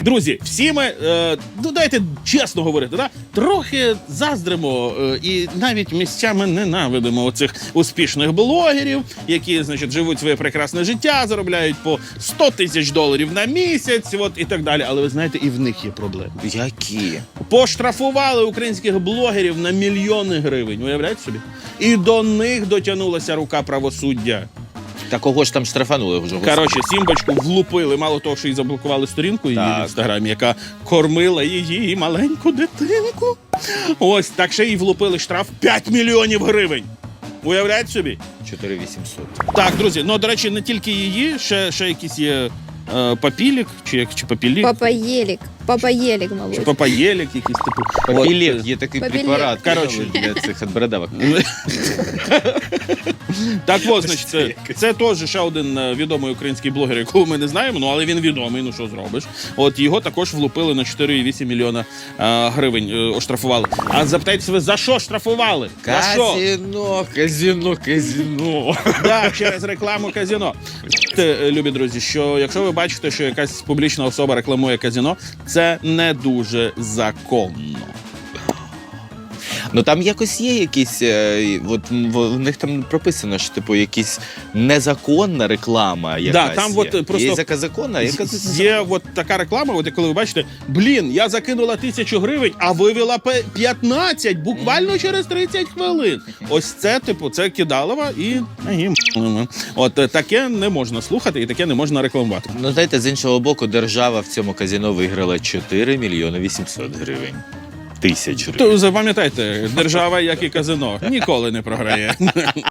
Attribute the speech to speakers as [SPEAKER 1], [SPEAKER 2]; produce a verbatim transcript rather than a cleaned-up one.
[SPEAKER 1] Друзі, всі ми, е, ну дайте чесно говорити, да? Трохи заздримо е, і навіть місцями ненавидимо оцих успішних блогерів, які, значить, живуть своє прекрасне життя, заробляють по сто тисяч доларів на місяць, от, і так далі. Але ви знаєте, і в них є проблеми.
[SPEAKER 2] Які?
[SPEAKER 1] Поштрафували українських блогерів на мільйони гривень, уявляєте собі? І до них дотягнулася рука правосуддя.
[SPEAKER 2] Та кого ж там штрафанули вже?
[SPEAKER 1] Коротше, Сімбочку влупили, мало того, що їй заблокували сторінку її в інстаграмі, яка кормила її маленьку дитинку. Ось, так ще їй влупили штраф п'ять мільйонів гривень. Уявляєте собі?
[SPEAKER 2] чотири тисячі вісімсот.
[SPEAKER 1] Так, друзі, ну, до речі, не тільки її, ще, ще якісь є е, Папілік, чи, як, чи Папілік,
[SPEAKER 3] Папаєлік. Папаєлік,
[SPEAKER 1] чи
[SPEAKER 3] мабуть.
[SPEAKER 1] Папаєлік, якийсь типу.
[SPEAKER 2] Папілек,
[SPEAKER 1] От,
[SPEAKER 2] є такий
[SPEAKER 3] Папілек.
[SPEAKER 2] препарат,
[SPEAKER 1] Коротше.
[SPEAKER 2] для цих от бородавок.
[SPEAKER 1] Так от, значить, це, це теж ще один е, відомий український блогер, якого ми не знаємо, ну, але він відомий, ну що зробиш. От його також влупили на чотири цілих вісім мільйона е, гривень, е, оштрафували. А запитайте ви, за що штрафували? За що?
[SPEAKER 2] Казино, казино, казино.
[SPEAKER 1] Так, через рекламу казино. Те, любі друзі, що якщо ви бачите, що якась публічна особа рекламує казино, це не дуже законно.
[SPEAKER 2] Ну там якось є якісь, е, от в них там прописано, що типу якісь незаконна реклама якась.
[SPEAKER 1] там
[SPEAKER 2] є.
[SPEAKER 1] от просто-
[SPEAKER 2] Є яка законна, а яка
[SPEAKER 1] Є от така реклама, от коли ви бачите, блін, я закинула тисячу гривень, а вивела пе- п'ятнадцять буквально через тридцять хвилин. Ось це, типу, це кидалова і агім. От е, таке не можна слухати і таке не можна рекламувати.
[SPEAKER 2] Ну, знаєте, з іншого боку, держава в цьому казино виграла чотири мільйони вісімсот гривень. Тисяч гривень.
[SPEAKER 1] То запам'ятайте, держава, як і казино, ніколи не програє.